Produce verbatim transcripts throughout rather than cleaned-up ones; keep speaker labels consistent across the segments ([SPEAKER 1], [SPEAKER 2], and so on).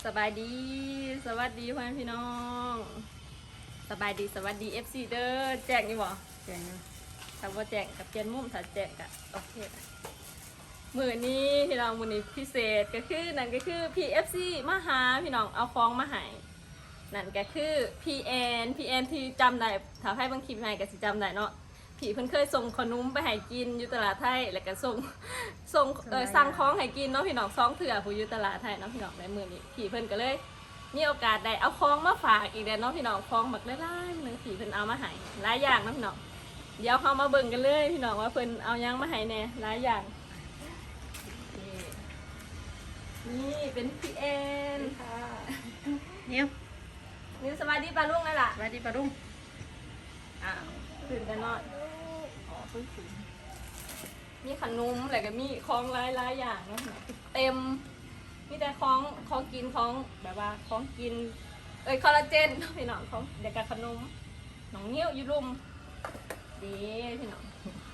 [SPEAKER 1] สบายดีสวัสดีพ่อแม่พี่น้องสบายดีสวัสดี เอฟ ซี เด้อแจ้งนี่บ่แจ้งอยู่ถ้าบ่แจ้งกับเปลี่ยนมุมถ้าแจ้งก็โอเคมื้อนี้พี่น้องมื้อนี้พิเศษก็คือนั่นก็คือ พี เอฟ ซี มาหาพี่น้องเอาของมาให้นั่นก็คือ พี เอ็น พี เอ็น ที่จำได้ถ้าให้บางคลิปให้ก็สิจำได้เนาะพี่เพิ่นเคยส่งขนมไปให้กินอยู่ตลาดไทยแล้วก็ส่งส่งเออสั่งของให้กินเนาะพี่น้องซองเถื่อผู้อยู่ตลาดไทยเนาะพี่น้องในมื้อนี้พี่เพิ่นก็เลยมีโอกาสได้เอาของมาฝากอีกแล้วเนาะพี่น้องของบักหลายๆนึงพี่เพิ่นเอามาให้หลายอย่างเนาะพี่น้องเดี๋ยวเฮามาเบิ่งกันเลยพี่น้องว่าเพิ่นเอาหยังมาให้แน่หลายอย่างนี่เป็น พี เอ็น
[SPEAKER 2] ค่ะ
[SPEAKER 3] นิ้ว
[SPEAKER 1] นี่สวัสดีป้าลุงเลยล่ะ
[SPEAKER 3] สวัสดีปะรุ่ง
[SPEAKER 1] อ้าวตื่นแต่นอนอ๋อเพิ่งตื่นมีขนมอะไรก็มีของหลายๆอย่างเนาะเต็มมีแต่ของของกินของแบบว่าของกินเอ้ยคอลลาเจนพี่น้องของเด็กกับขนมน้องนิ้วอยู่รุมดีพี่น้อง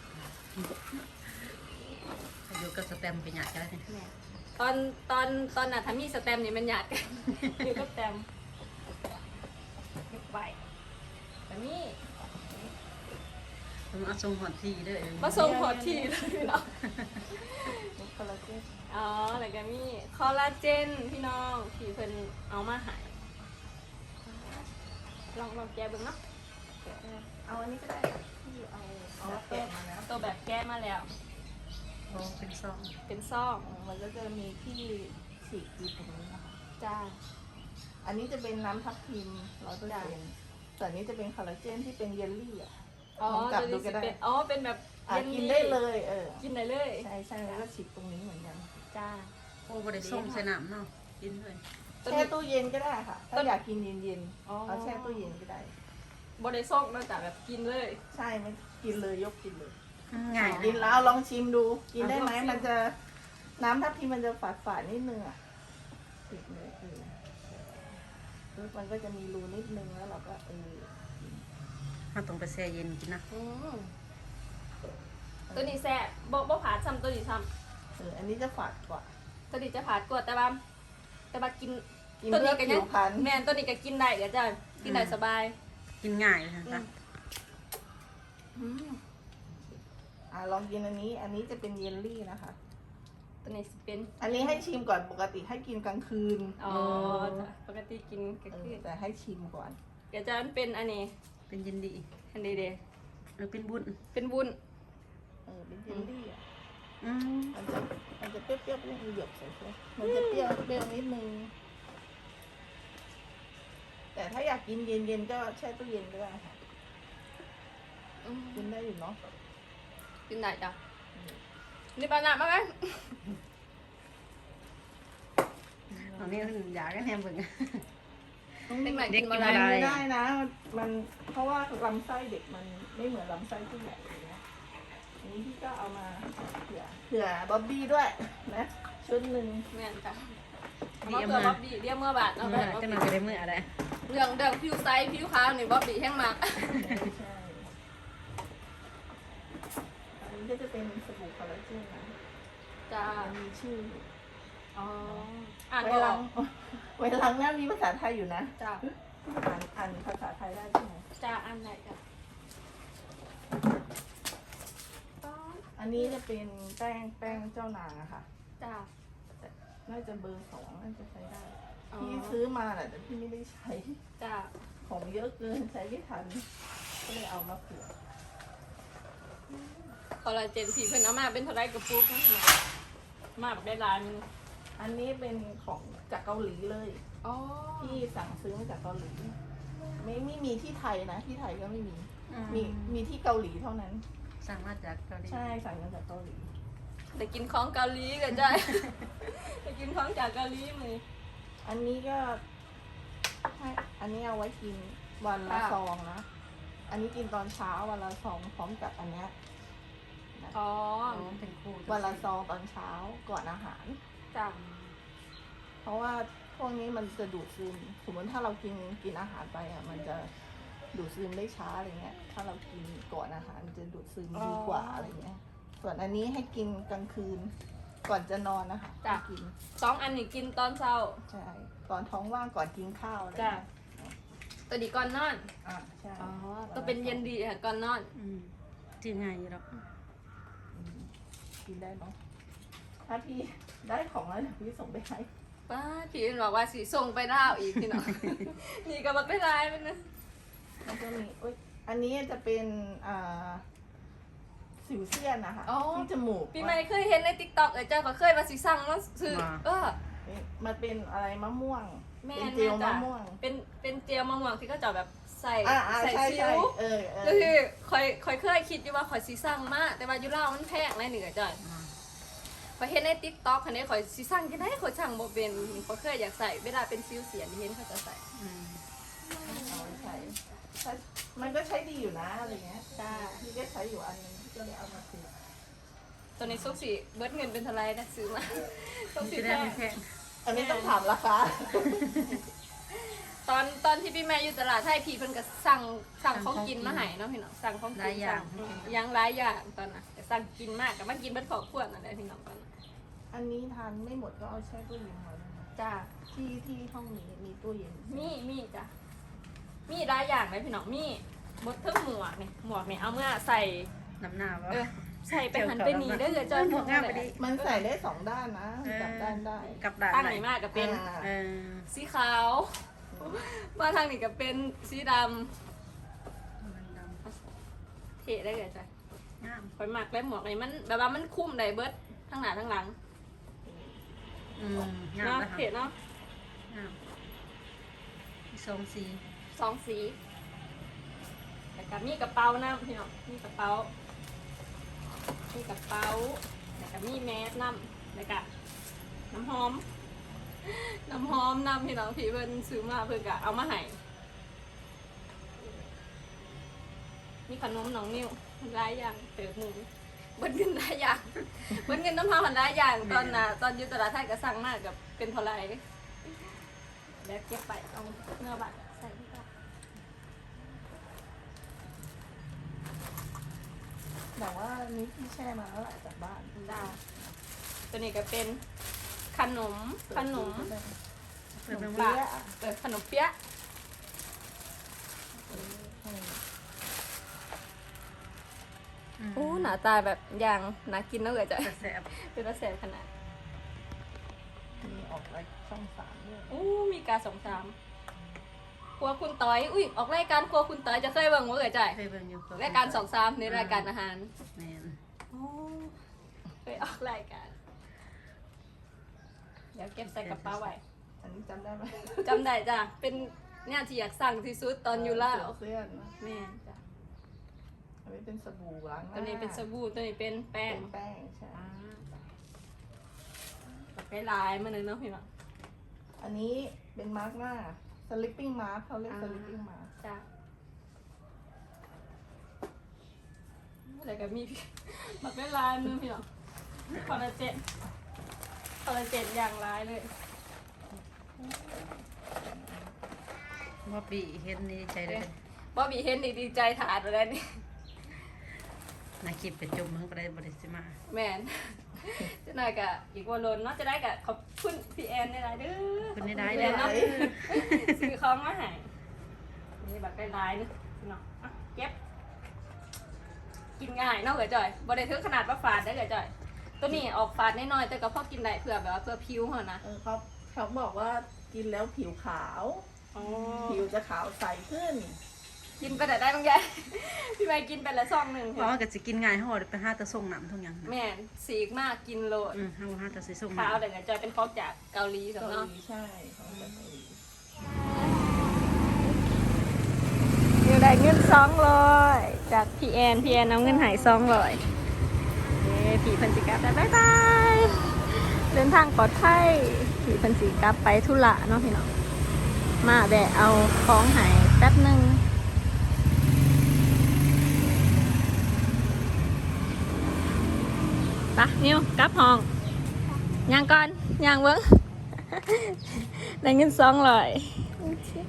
[SPEAKER 3] อยู่กับสแตมป์ไปหยาดกันแล้วเนี่ย
[SPEAKER 1] แม่ตอนตอนตอนน่ะถ้ามีสแตมป์นี่มันหยาดกันอยู่กับสแตมป์เก็บไว้แต่นี่
[SPEAKER 3] ผมเอาทรงหอดทีเด้อ
[SPEAKER 1] มาส่งพอทีเลยพี่น้อง
[SPEAKER 2] คอลลาเจน
[SPEAKER 1] อ๋อแล้วก็มีคอลลาเจนพี่น้องที่เพิ่นเอามาใหายลองลองแกะเบิ่งเนาะ
[SPEAKER 2] เอาอันนี้ก็ได้ที่เอาเอา
[SPEAKER 1] เอา
[SPEAKER 2] แกะมาแล้ว
[SPEAKER 1] ตัวแบบแก้มาแล้ว
[SPEAKER 3] โอ้เป็นซอง
[SPEAKER 1] เป็นซ่อง
[SPEAKER 2] มันก็จะมีที่ฉีกอยู่ตรงนี้นะคะ
[SPEAKER 1] จ้า
[SPEAKER 2] อันนี้จะเป็นน้ำทับทิมร้อยเปอร์เซ็นต์แต่อันนี้จะเป็นคอลลาเจนที่เป็นเยลลี่อ่ะ
[SPEAKER 1] อ๋อ
[SPEAKER 2] ลองจับดู
[SPEAKER 1] ตัว
[SPEAKER 2] ก็
[SPEAKER 1] นี้สิ
[SPEAKER 2] ได้
[SPEAKER 1] เป็นอ๋อเป็นแบบ
[SPEAKER 2] อ่ะ
[SPEAKER 1] เยล
[SPEAKER 2] กิน
[SPEAKER 1] ลี่
[SPEAKER 2] ได้เลยเออ
[SPEAKER 1] กินได้เลย
[SPEAKER 2] ใช่ใช่แล้วก็ฉีกตรงนี้เหมือนกัน
[SPEAKER 1] จ้า
[SPEAKER 3] โอ้บริส้มใส่น้ำเนาะกินเลย
[SPEAKER 1] ตัว
[SPEAKER 2] แช่
[SPEAKER 1] นี้
[SPEAKER 2] ตู้เย็นก็ได้ค่ะ
[SPEAKER 1] ต้
[SPEAKER 2] ถ้าน อยากกินเย็น
[SPEAKER 1] อ๋อ
[SPEAKER 2] ๆเอาแช่ตู้เย็นก็ได้
[SPEAKER 1] บ่ได้ซ่องนอกจากแบบกินเลย
[SPEAKER 2] ใช่ไม่กินเลยยกกินเลย
[SPEAKER 3] ง่าย
[SPEAKER 2] กินแล้วเอาลองชิมดู กินได้ไหม
[SPEAKER 1] ลองชิม
[SPEAKER 2] มันจะน้ำทับทิมมันจะฝาดฝาดๆนิดนึงอ่ะติดเลยเออมันก็จะมีรูนิดนึงแล้วเราก็เออ
[SPEAKER 3] ถ้าต้องไปแช่เย็นกินนะ
[SPEAKER 1] อืมตัวนี้แซ่บบ่บ่ผาดซ้ำตัวนี้ซ้
[SPEAKER 2] เอออันนี้จะฝาดกว่า
[SPEAKER 1] ำตัวนี้จะผาดกว่าแต่ว่าแต่ว่ากิน
[SPEAKER 2] กิน
[SPEAKER 1] ตัว
[SPEAKER 2] เพื่
[SPEAKER 1] นี้
[SPEAKER 2] อ
[SPEAKER 1] ก็
[SPEAKER 2] ผิ
[SPEAKER 1] ยัง
[SPEAKER 2] วพรรณ
[SPEAKER 1] แม่นตัวนี้ก็กินได้เดี๋ยวจ้ากินได้สบาย
[SPEAKER 3] กินง่ายนะ
[SPEAKER 1] อื
[SPEAKER 3] จ๊ะ
[SPEAKER 1] มอืม
[SPEAKER 2] อ่ะลองกินอันนี้ อันนี้จะเป็นเยลลี่นะคะ
[SPEAKER 1] ตัวนี้สิเป็น
[SPEAKER 2] อันนี้ให้ชิมก่อนปกติให้กินกลางคืน
[SPEAKER 1] อ๋อจ้ะปกติกินก็
[SPEAKER 2] เอ
[SPEAKER 1] คือ
[SPEAKER 2] อแต่ให้ชิมก่อน
[SPEAKER 1] เดี๋ยวจะมันเป็นอันนี้
[SPEAKER 3] เป็นเย็นดี
[SPEAKER 1] อันนี้เด้
[SPEAKER 3] หรือเป็นบุญ
[SPEAKER 1] เป็นวุ้น
[SPEAKER 2] เออเป็นเยลลี่อ่ะ
[SPEAKER 3] อืม
[SPEAKER 2] มันจะมันจะเปรี้ยวๆเปรี้ยวหยบใส่เสื้อมันจะเปรี้ยวเปรี้ยวนิดนึงแต่ถ้าอยากกินเย็นๆก็แช่ตู้เย็นก็ได้ค่ะ
[SPEAKER 1] อืม
[SPEAKER 2] กินได้อยู่เนาะ
[SPEAKER 1] กินได้จ้ะนี่ปลาหนักมากไหม
[SPEAKER 3] ตอนนี้อยากกันแฮมเบิ่ง
[SPEAKER 1] เด็กใหม่
[SPEAKER 3] เด็
[SPEAKER 1] กิ
[SPEAKER 3] ก
[SPEAKER 1] น
[SPEAKER 3] กิ
[SPEAKER 1] มาน ได้
[SPEAKER 3] อะไร
[SPEAKER 2] ไม่ได้นะ มันเพราะว่าลำไส้เด็กมันไม่เหมือนลำไส้ผู้ใหญ่อย่างเงี้ยอันนี้พี่ก็เอามาเผื่อเผื่อบ๊อบบี้ด้วยนะชุดหนึ่ง
[SPEAKER 1] แม่นจ้ะ
[SPEAKER 3] ดี
[SPEAKER 1] เอา
[SPEAKER 3] เอา
[SPEAKER 1] เมื่
[SPEAKER 3] มา
[SPEAKER 1] อบ๊อบบี้เรียกเมื่อบาท
[SPEAKER 3] เอ
[SPEAKER 1] เอา
[SPEAKER 3] อ
[SPEAKER 1] ไปบ๊อบ
[SPEAKER 3] จะ
[SPEAKER 1] บี้
[SPEAKER 3] มาก็ได้มืออะไร
[SPEAKER 1] เรื่องเรื่องผิวไซส์ผิวขาวนี่บ๊อบบี้แห้งมาก
[SPEAKER 2] ใช่อันนี้ก็จะเป็นสบู่คอลลาเจนนะ
[SPEAKER 1] จ้า
[SPEAKER 2] มันมีชื่อ
[SPEAKER 1] อ๋ออ่าน
[SPEAKER 2] ไว้
[SPEAKER 1] ก็อ
[SPEAKER 2] ล้า
[SPEAKER 1] อง ก
[SPEAKER 2] ไว้ล้างหน้ามีภาษาไทยอยู่นะ
[SPEAKER 1] จ้า
[SPEAKER 2] อ่านอ่านภาษาไทยได้ใช่ไหม
[SPEAKER 1] จ้าอ่านไหนจ้ะ
[SPEAKER 2] อันนี้จะเป็นแป้งแป้งเจ้านางอะค่ะ
[SPEAKER 1] จ้า
[SPEAKER 2] น่าจะเบอร์สองน่าจะใช้ได้
[SPEAKER 1] อ๋อ
[SPEAKER 2] พี่ซื้อมาแหละแต่พี่ไม่ได้ใช้
[SPEAKER 1] จ้า
[SPEAKER 2] ของเยอะเกินใช้ไม่ทัน ก็เลยเอามาเผื่อ
[SPEAKER 1] คอลลาเจนผีเพิ่นเอามาเป็นเท่าไรกระปุกนะมาแบบได้ร้าน
[SPEAKER 2] อันนี้เป็นของจากเกาหลีเลย
[SPEAKER 1] อ๋อ
[SPEAKER 2] ที่สั่งซื้อมาจากเกาหลี ไม่ไม่มีที่ไทยนะ ที่ไทยก็ไม่มี มีมีที่เกาหลีเท่านั้น
[SPEAKER 3] สั่งมาจากเกาหลี
[SPEAKER 2] ใช่สั่งมาจากเกาหลี
[SPEAKER 1] แต่กินของเกาหลีกันจ้ะ แต่กินของจากเกาหลีมือ
[SPEAKER 2] อันนี้ก็ให้อันนี้เอาไว้กินวันละ
[SPEAKER 1] ค่ะ
[SPEAKER 2] ซองนะ อันนี้กินตอนเช้าวันละซองพร้อมกับอันเนี้ยนะ
[SPEAKER 1] อ๋อ
[SPEAKER 3] อ๋อเป็นคู่
[SPEAKER 2] วันละซองตอนเช้าก่อนอาหาร
[SPEAKER 1] จ้า
[SPEAKER 2] เพราะว่าพวกนี้มันจะดูดซึม สมมติถ้าเรากินกินอาหารไปอ่ะ มันจะดูดซึมได้ช้าอะไรเงี้ย ถ้าเรากินก่อนอาหารมันจะดูดซึมดีกว่าอะไรเงี้ย ส่วนอันนี้ให้กินกลางคืนก่อนจะนอนนะคะ
[SPEAKER 1] จ้ะ
[SPEAKER 2] กิน
[SPEAKER 1] สองอันนี้กินตอนเช้า
[SPEAKER 2] ใช่ตอนท้องว่างก่อนกินข้าวอะไร
[SPEAKER 1] จ้ะตัวนี้ก่อนนอน
[SPEAKER 2] อ่าใช่
[SPEAKER 1] อ๋อตัวเป็นเย็นดีค่ะก่อนนอน
[SPEAKER 3] อืมจืดง่ายอยู่หรอก
[SPEAKER 2] อืมกินได้เนาะถ้าพี่ได้ของแล้วเดี๋ยวพี่ส่งไปให้
[SPEAKER 1] ป้าพี่เอ็นบอกว่าสีส่งไปดาวอีกพี่น้อง นี่ก็บักได้ร้ายไปนะ
[SPEAKER 2] มันจะมีอุ๊ยอันนี้จะเป็นอ่าสิวเซียนนะคะที่จมูก
[SPEAKER 1] พี่ไม่เคยเห็นในติ๊กต็อกเออเจ้าก็เคยมาสีสั่งมาซื้อเออ
[SPEAKER 2] มันเป็นอะไรมะม่วง
[SPEAKER 1] แม่
[SPEAKER 2] เป็น
[SPEAKER 1] น
[SPEAKER 2] เจล
[SPEAKER 1] จ้ะ
[SPEAKER 2] มะม่วง
[SPEAKER 1] เป็นเป็นเจลมะม่วงที่ก็จะแบบใส่
[SPEAKER 2] อ่าอ่า
[SPEAKER 1] ใส่
[SPEAKER 2] ใช่
[SPEAKER 1] ซิ
[SPEAKER 2] ใช่
[SPEAKER 1] ว
[SPEAKER 2] เออเอ
[SPEAKER 1] ก็
[SPEAKER 2] อ
[SPEAKER 1] คือคอยคอยเคยคิดอยู่ว่าคอยสีสั่งมากแต่ว่าอยูเล่าวมันแพงนะเหนือจ้ะ
[SPEAKER 3] อ่า
[SPEAKER 1] คอยเห็นในติ๊กต็อกคันนี้คอยสีสั่งจะได้คอยสั่งบ่เป็นคอยเคยอยากใส่เวลาเป็นซิวเสียนที่เห็นเขาจะใส่
[SPEAKER 3] อืม
[SPEAKER 2] เอาไว้ใช้ถ้ามันก็ใช้ดีอยู่นะอะไรเงี้ย
[SPEAKER 1] จ้า
[SPEAKER 2] พี่ก็ใช้อยู่อันนึงพี่ก็เลยเอามาซื้อ
[SPEAKER 1] ตอนนี้ซุกสีเบิร์ดเงินเป็นเท่าไรนะซื้อมาซุก
[SPEAKER 3] มัน
[SPEAKER 1] สี
[SPEAKER 3] จะ
[SPEAKER 1] แพ
[SPEAKER 3] ได้
[SPEAKER 1] ง
[SPEAKER 3] ไม่แพง
[SPEAKER 2] อันนี้ต้องถามราคา
[SPEAKER 1] ตอนตอนที่พี่แม่อยู่ตลาดไทยพี่เพิ่นก็สั่งสั่งของกินมาให้เนาะพี่น้องสั่งของกินสั่งยังหลายอย่างตอนน่ะแต่สั่งกินมากกับมากินเบิดขอบขวดนั่นแหละพี่น้องตอนนั้น
[SPEAKER 2] อันนี้ทานไม่หมดก็เอาแช่ตู้เย็นไว้นะคะ
[SPEAKER 1] จ้า
[SPEAKER 2] ที่ที่ห้องนี้มีตู้เย็น
[SPEAKER 1] มีมีจ้ะมีหลายอย่างเลยพี่น้องมีบดเทิงหมวกนี่หมวกนี่เอาเมื่อใส่
[SPEAKER 3] น้ำหน้าว่า
[SPEAKER 1] เออใส่ไปหันไปหนีได้เลยจอย
[SPEAKER 3] หมวกงามไปดิ
[SPEAKER 2] มันใส่ได้สองด้านนะกลับด้านได้
[SPEAKER 3] กับด่าน
[SPEAKER 1] ตั้ง
[SPEAKER 3] ไหน
[SPEAKER 1] นี่มากก็เป็น
[SPEAKER 2] อ่า
[SPEAKER 3] เออ
[SPEAKER 1] สีขาวมาทางนี้ก็เป็นสีด
[SPEAKER 3] มันด
[SPEAKER 1] ำเท่ได้เลยจ้ะ
[SPEAKER 3] ำงาม
[SPEAKER 1] คอยหมักแล้วหมวกนี่มันแบบว่ามันคุ้มได้เบิดทั้งหน้าทั้งหลัง
[SPEAKER 3] อืมงาม
[SPEAKER 1] เนาะ
[SPEAKER 3] นะคะ
[SPEAKER 1] เท่เนาะ
[SPEAKER 3] งามมีสองสี
[SPEAKER 1] สองสีแล้วก็มีกระเป๋าน้ำพี่น้องมีกระเป๋ามีกระเป๋าแล้วก็มีแมสน้ำแล้วก็น้ำหอม น้ำหอมน้ำพี่น้องพี่เพิ่นซื้อมาเพิ่นก็เอามาให้มีขนมน้องนิ้วหลายอย่างเติบหมูเบิ้เงินหลายอย่างเบิ้เงินน้ำพาหันหลายอย่างตอนน่ะตอนอยู่ตลาดไทยก็สั่งมากกับเป็นเท่าไหรแล้วเก็บไปเอาเนื้อบัตรใส่ที่บ้าน
[SPEAKER 2] แต่ว่านี้พี่แช่มาแล้วแหละจากบ้าน
[SPEAKER 1] ดาวตัวนี้ก็เป็นขนมขนม
[SPEAKER 3] เปิดเบิ่ง
[SPEAKER 1] ปา
[SPEAKER 3] ว่าก
[SPEAKER 1] เปิดขนมเปี๊ยะ
[SPEAKER 3] ม
[SPEAKER 1] โอ้หน้าตาแบบอย่างน่ากินน่าเกิดจะ
[SPEAKER 3] แสบ
[SPEAKER 1] เป็นรสแสบขนาด
[SPEAKER 2] มีออกรายช่องสามด้วย
[SPEAKER 1] อู้มีการสองสามครัวคุณต้อยอุ้ยออกรายการครัวคุณต้อยจะเคยเบิ่งว่าเกิดใจ
[SPEAKER 3] เคยเบิ่งอยู่
[SPEAKER 1] รายการสองสามในรายการอาหาร
[SPEAKER 3] แม่น
[SPEAKER 1] โอ้เคยออกรายการ เดี๋ยวเก็บใส่กระเป๋าไว้
[SPEAKER 2] อันนี้จำได้ไหม
[SPEAKER 1] จำได้จ้ะเป็นเนี่ยที่อยากสั่งที่สุดตอนอยู่ล่าว
[SPEAKER 2] เสื้อนะ
[SPEAKER 1] แม่นจ้ะ
[SPEAKER 2] อันนี้เป็นสบู่ล้างหน้า
[SPEAKER 1] ตัวนี้เป็นสบู่ตัวนี้เป็นแป้ง
[SPEAKER 2] เป็นแป้งใช่
[SPEAKER 1] อ่าจ้ะไปลายมาเลยเนาะพี่น้อง
[SPEAKER 2] อันนี้เป็นมาร์กหน้า slipping mask เขาเรียก slipping mask
[SPEAKER 1] จ้ะอะไรกับมีพี่มักได้ลายมือพี่น้องคอลลาเจนคอลลาเจนอย่างร้ายเลย
[SPEAKER 3] ว่าปีเห็นนี่ใจเลย
[SPEAKER 1] บอบบี้เห็นดีดีใจถาดอะไรนี่
[SPEAKER 3] นาคลิปไปจุ่มมันก็ได้บริสิมา
[SPEAKER 1] แมน จะหน่อยกะอีกวันลนเนาะจะได้กะขอบคุณพี่แอนได้ไรเด้อ
[SPEAKER 3] คุณได้ได้
[SPEAKER 1] ขอบ
[SPEAKER 3] เด้อ
[SPEAKER 1] เนาะซื้อของมาให้นี่แบบได้ไรเนาะพี่น้องอ่ะเก็บ กินง่ายเนาะเก๋จ่อยบริถึงขนาดว่าฝาดได้เก๋จ่อย ตัวนี้ออกฝาดน้อยๆแต่ก็พอกินได้เผื่อแบบว่าเพื่อผิวเหรอนะ
[SPEAKER 2] เออเขาเขาบอกว่ากินแล้วผิวขาว
[SPEAKER 1] อ๋อ
[SPEAKER 2] ผิวจะขาวใสขึ้น
[SPEAKER 1] กินไปแต่ได้บางแก พี่ใบกินไปละซองหนึ่ง
[SPEAKER 3] เพราะว่าก็สิกินง่ายเฮาไปหาแตะส่งน้ำทุกอย่างนะ
[SPEAKER 1] แม่นสีกมากกินโลด
[SPEAKER 3] อืมเฮาหาแตะสิส่ง
[SPEAKER 1] ขาว
[SPEAKER 3] น้ำ
[SPEAKER 1] เดี๋ยวจอยเป็นฟอกจากเกาหลีสำ
[SPEAKER 2] เกา
[SPEAKER 1] เนาะ
[SPEAKER 2] หลีใช่เขาจากเกาหลี
[SPEAKER 1] นิวได้เงินสองร้อยจากพี่แอนพี่แอนเอาเงินหายสองร้อยเย้พี่เพันจิกลับได้บ๊ายบายเดินทางปลอดภัยพี่เพันจิกลับไปธุระเนาะพี่น้องมาแบะเอาของหายแป๊บหนึ่งปะนิวกลับห้องย่างก่อนย่างเบิ้ง ได้เงินสองร้อย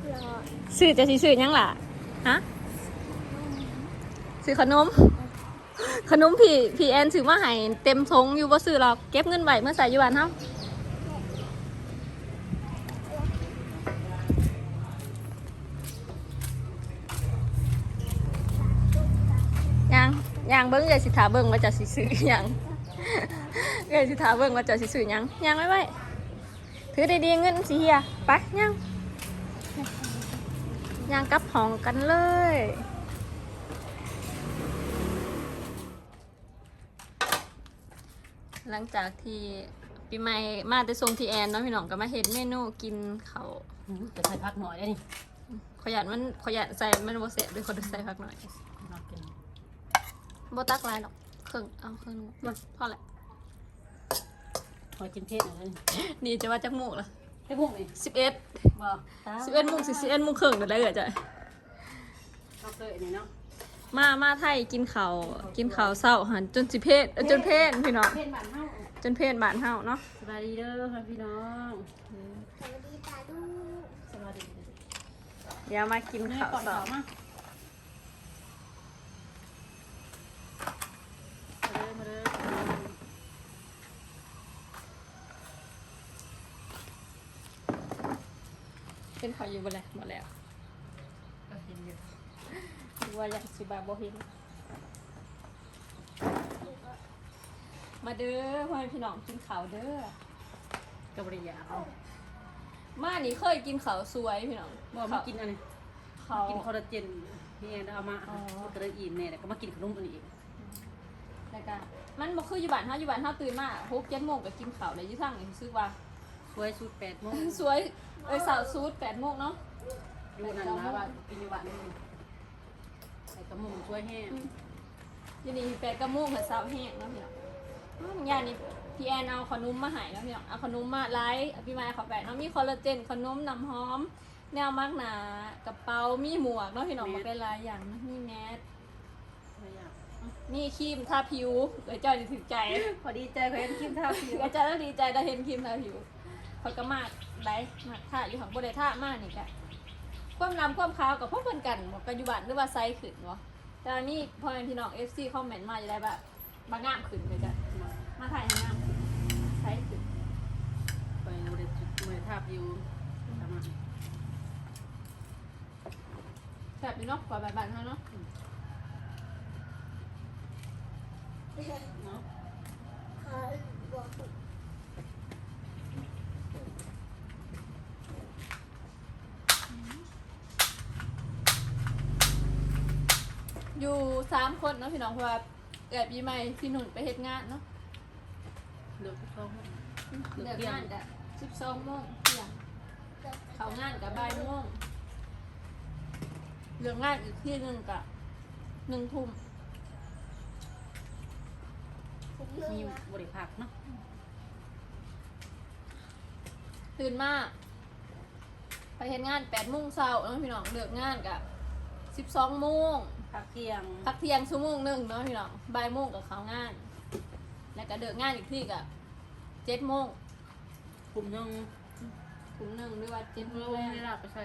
[SPEAKER 1] ซื้อจะสิซื้อหยังล่ะฮะซื้อขนมขนมผีผีแอนซื้อมาให้เต็มทงอยู่บ่ซื้อหรอกเก็บเงินไว้เมื่อใส่อยู่บ้านเฮายังยังเบิ่งเลยสิถาเบิ่งว่าจะสิซื้อหยังเลยสิถาเบิ่งว่าจะสิซื้อหยังยังไว้ไว้ถือดีๆเงินสิเฮียไปยังยังกลับห้องกันเลยหลังจากที่ปีใหม่มาแต่ทรงที่แอนเนาะพี่น้องก็มาเห็นเมนูกินเขาว
[SPEAKER 3] อืมจะใส่พักหน่อยได้นี่
[SPEAKER 1] ขอยันมันขอยันใส่มันโบเสะด้วยคนใส่พักหน่อย
[SPEAKER 3] เรากิน
[SPEAKER 1] โบตักลายหรอกครึ่งเอาครึ่งมาพอแหละ
[SPEAKER 3] พอกินเผ็ดหน่อยได้นี่
[SPEAKER 1] นี่จะว่าจักหมูกละ
[SPEAKER 3] ได้พวกนี่
[SPEAKER 1] สิบเอ็ด
[SPEAKER 3] บ่
[SPEAKER 1] สิบเอ็ดโมงสิสิบเอ็ดโมงครึ่งเดี๋ยวได้เกิดจ้ะ
[SPEAKER 3] เราเคยอันนี้เนาะ
[SPEAKER 1] มามาไทยกินเขาวกินเขาวเศร้าหันจนสิเพศเอ้ยจนเพศพี่น้อง
[SPEAKER 3] เผ็ดบ้านเฮา
[SPEAKER 1] จนเพศบ้านเฮาเนาะ
[SPEAKER 3] สบายดีเด้อค่ะพี่น้อง
[SPEAKER 2] สวัสดีตาดู
[SPEAKER 3] สบายดี
[SPEAKER 1] เดี๋ยวมากิน
[SPEAKER 3] แม่
[SPEAKER 1] ข้าว
[SPEAKER 3] ก่อน
[SPEAKER 1] เศร้า
[SPEAKER 3] เขามามาเด้อมาเด้อ
[SPEAKER 1] เป็นเขาวอยู่บ่แล้วหมดแล้ว
[SPEAKER 3] ก็เห็นอยู่
[SPEAKER 1] ดูว่าอยากสิบาบ่เห็นมาเด้อพ่อแม่พี่น้องกินข้าวเด้อ
[SPEAKER 3] ก็บริยาเอา
[SPEAKER 1] มานี่เคยกินข้าวสวยพี่น้อง
[SPEAKER 3] บ่มากินอันนี้
[SPEAKER 1] ข้าว
[SPEAKER 3] กินคอลลาเจนพี่แอนเอามา
[SPEAKER 1] อ๋อ
[SPEAKER 3] โปรตีนเนี่ยแล้วก็มากินขนมอันนี้อีก
[SPEAKER 1] แล้วก็มันบ่คืออยู่บ้านเฮาอยู่บ้านเฮาตื่นมาหก เจ็ดโมงก็กินข้าวแล้วอยู่ทางนี่รู้สึกว่า
[SPEAKER 3] สวยสุดแปดโมง
[SPEAKER 1] สวยเอ้ยสาวซูดแปดโมงเนาะ
[SPEAKER 3] อยู่นั่นนะว่ากินอยู่บ้านนี่ใส่กระหมุงช่วยแห้ง
[SPEAKER 1] อยู่นี่แปดกะโมงกับสาวแห้งเนาะพี่น้องอ้าวมึงยานี่พี่แอนเอาขนมมาให้เนาะพี่น้องเอาขนมมาไลฟ์พี่ไม้เขาแปะเนาะมีคอลลาเจนขนมน้ำหอม แนวมากหนากระเป๋ามีหมวกเนาะพี่น้องมาเป็นหลายอย่างนะมีแมส
[SPEAKER 3] ไม่อยาก
[SPEAKER 1] มีครีมทาผิวเดี๋ยวจอยจะถึงใจ
[SPEAKER 3] พอดีใจเขาเห็นคลิปท่าผิว
[SPEAKER 1] เดี๋ยวจอยต้องดีใจได้เห็นครีมทาผิวเขาก็มากไลฟ์มากท่าอยู่ของบริท่ามากนี่กะความนำความขาวกับพวกเพื่อนกันบอกปัจจุบันหรือว่าไซส์ขึ้นวะแต่อันนี้พอเป็นพี่น้องเอฟซีคอมเมนต์มาจะได้แบบบางงามขึ้นเลยจ้ะมาถ่ายให้งามขึ้นไซส์ขึ้น
[SPEAKER 3] ไปบริจุดบริท่าผิวทำมา
[SPEAKER 1] แบบนี้เนาะกว่าแบบบ้านเขาเนาะ
[SPEAKER 3] เนาะ
[SPEAKER 2] ค่ะบอก
[SPEAKER 1] อยู่สามคนเนาะพี่น้องเพราะว่าแอบปีใหม่พี่หนุ่นไปเฮ็ดงานเนาะ
[SPEAKER 3] เหลือทุกช่อง
[SPEAKER 1] เลิกงานกะสิบสองโมงเที่ยงเขางานกับบ่ายโมงเรื่องงานอีกที่หนึ่งกะหนึ่งทุ่ม
[SPEAKER 3] มีบริภาคเนาะ
[SPEAKER 1] ตื่นมาไปเฮ็ดงานแปดโมงเช้าเนาะพี่น้องเลิกงานกะสิบสองโมง
[SPEAKER 3] พักเที่ยง
[SPEAKER 1] พักเที่ยงชั่วโมงหนึ่งเนาะพี่น้องบ่ายโมงกับเขางาน แล้วก็เลิกงานอีกที่กะเจ็ดโมง
[SPEAKER 3] กลุ่มหนึง
[SPEAKER 1] ถึงหนึ่งหรือว่าเจ็ดโม
[SPEAKER 3] เรา
[SPEAKER 1] ง
[SPEAKER 3] ไม่ได้ไปใช้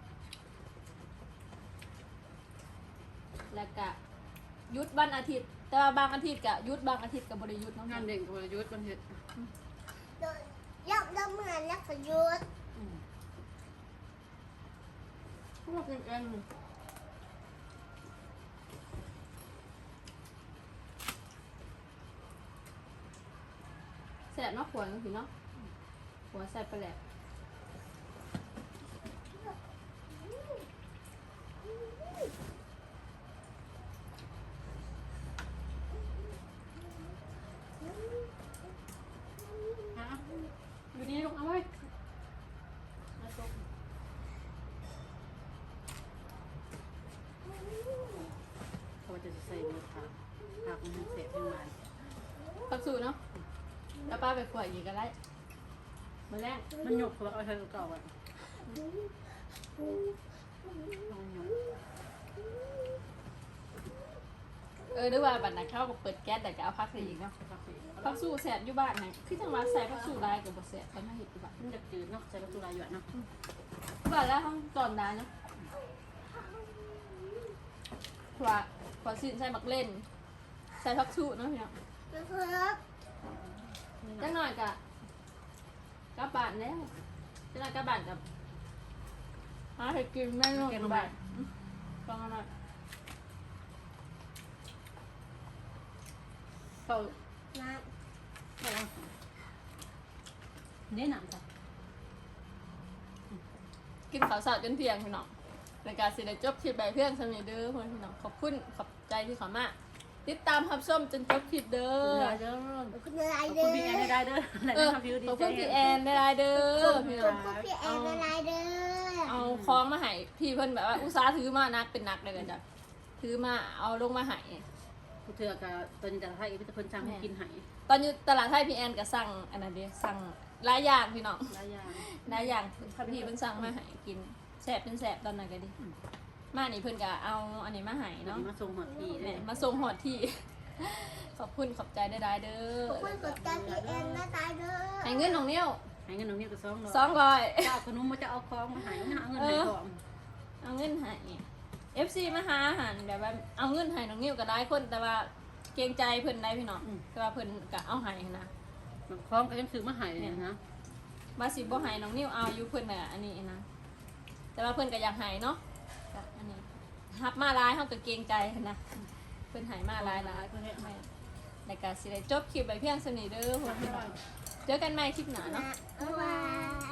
[SPEAKER 1] แล้วก็หยุดวันอาทิตย์ แต่ว่าบางอาทิตย์กะหยุดบางอาทิตย์กับบริยุทธ์เนาะ
[SPEAKER 3] งานเด่นกับบริยุทธ์มันเห็ด
[SPEAKER 2] โดนยับยับเหมือนยักษ์ขยุด
[SPEAKER 1] พวกเองแสบเนาะขวดเนาะพี่เนาะหัวแสบไปแหละ
[SPEAKER 3] ฮะอยู่นี่ลูกเอาไว้มาตกเขาจะใส่เนื้อผักผักมันเสียเป็นมัน
[SPEAKER 1] ปักสูเนาะแล้วป้าไปขวดอีกก็ได้มาแรก
[SPEAKER 3] มันหยกแล้วเอาใช้ตัวเก่าอ่ะเอาหยก
[SPEAKER 1] เออด้วยว่าบัตรนักเข้ากับเปิดแก๊สแต่ก็เอาพักใส่อีกเนาะ
[SPEAKER 3] ผักสี
[SPEAKER 1] พักสูแสบอยู่บ้านไหนคือจังหวัดใส่พักสูได้กับบแสบแต่ไม่เห็นอยู่บ้าน
[SPEAKER 3] มันจะจืดเนาะใส่ประตูลายหยวนเนาะ
[SPEAKER 1] บ้านแล้วห้องตอนได้เนาะขวาขวาสินใส่มักเล่นใส่ผักชูเนาะพี่น้องจังหน่อยกะกระบาดแล้วจังหน่อยกระบาดกับหาให้กินแม่นกระบาดฟังหน่อยเขา
[SPEAKER 3] เนี่ยหนังจ้ะ
[SPEAKER 1] กินข้าวสารจนเที่ยงพี่น้องในการสิได้จบคลิปใบเพื่อนสมิเด้อพี่น้องขอบคุณขอบใจที่เขามาติดตามรับชมจนจบคลิปเด้อ
[SPEAKER 3] เด้อ
[SPEAKER 4] ขอบคุณอะไร
[SPEAKER 3] ขอบ
[SPEAKER 4] เด้
[SPEAKER 3] คุ
[SPEAKER 4] อ
[SPEAKER 3] ณพี่แอนได้เด้ออะไร
[SPEAKER 1] เออ
[SPEAKER 3] ทำพิวดี
[SPEAKER 1] ขอบ
[SPEAKER 3] ใจ
[SPEAKER 1] คุณพี่แอนได้เด้อพี่
[SPEAKER 4] ข
[SPEAKER 1] น้
[SPEAKER 4] อ
[SPEAKER 1] อบ ง
[SPEAKER 4] คุณพี่แอนอะไรเด้อ
[SPEAKER 1] เอาคล้องมาให้พี่เพิ่นแบบว่าอุตส่าห์ถือมานักเป็นนักเลยกันจ้ะถือมาเอาลงมาให้
[SPEAKER 3] กูเถื่อกับตอนนี้จะให้พี่จะคนสั่งให้กินให้
[SPEAKER 1] ตอนอยู่ตลาดไทยพี่แอนก็สั่งอันนั้นเดีสั่งหลายอย่างพี่น้อง
[SPEAKER 3] หลายอย่าง
[SPEAKER 1] หลายอย่างพี่เพิ่นสั่งมาให้กินแซ่บเป็นแซ่บตอนนั้นก็ดีมานี่เพิ่นก็เอาอันนี้มาให้
[SPEAKER 3] เนาะ
[SPEAKER 1] เนาะ
[SPEAKER 3] มาส่งหัวที
[SPEAKER 1] แหม่
[SPEAKER 3] เนี่ย
[SPEAKER 1] มาส่งหอดที่ ขอบคุณขอบใจได้ได้เด้
[SPEAKER 4] ขอบคุณ
[SPEAKER 1] อก
[SPEAKER 4] ดใจพี่แอนนะตายเด้อ
[SPEAKER 1] ให้เงินของนิ้ว
[SPEAKER 3] ให้เงินน้องนี่ก็สองร้อย
[SPEAKER 1] สองร้อย
[SPEAKER 3] เจ้าขนมมาจะเอาของมาให้หาเงินให้ของ
[SPEAKER 1] เอาเงินให้ เอฟ ซี มาหาอาหารแบบว่าเอาเงินให้น้องนิ้วก็ได้คนแต่ว่าเกรงใจเพิ่นได้พี่น้องแต่ว่าเพิ่นก็เอาให้นะ
[SPEAKER 3] ของก็ยังซื้อมาให้เนี่ยนะ
[SPEAKER 1] มาสิบ่ให้น้องนิ้วเอาอยู่เพิ่นน่ะอันนี้นะแต่ว่าเพิ่นก็อยากให้เนาะก็อันนี้รับมาหลายเฮาก็เกรงใจนะเพิ่นให้มาหลายหลายเพิ่นให้ในการสิได้จบคลิปไปเพียงสำนี้เด้อพวกพี่น้องเจอกันใหม่คลิปหน้าเนาะ
[SPEAKER 4] บ๊ายบาย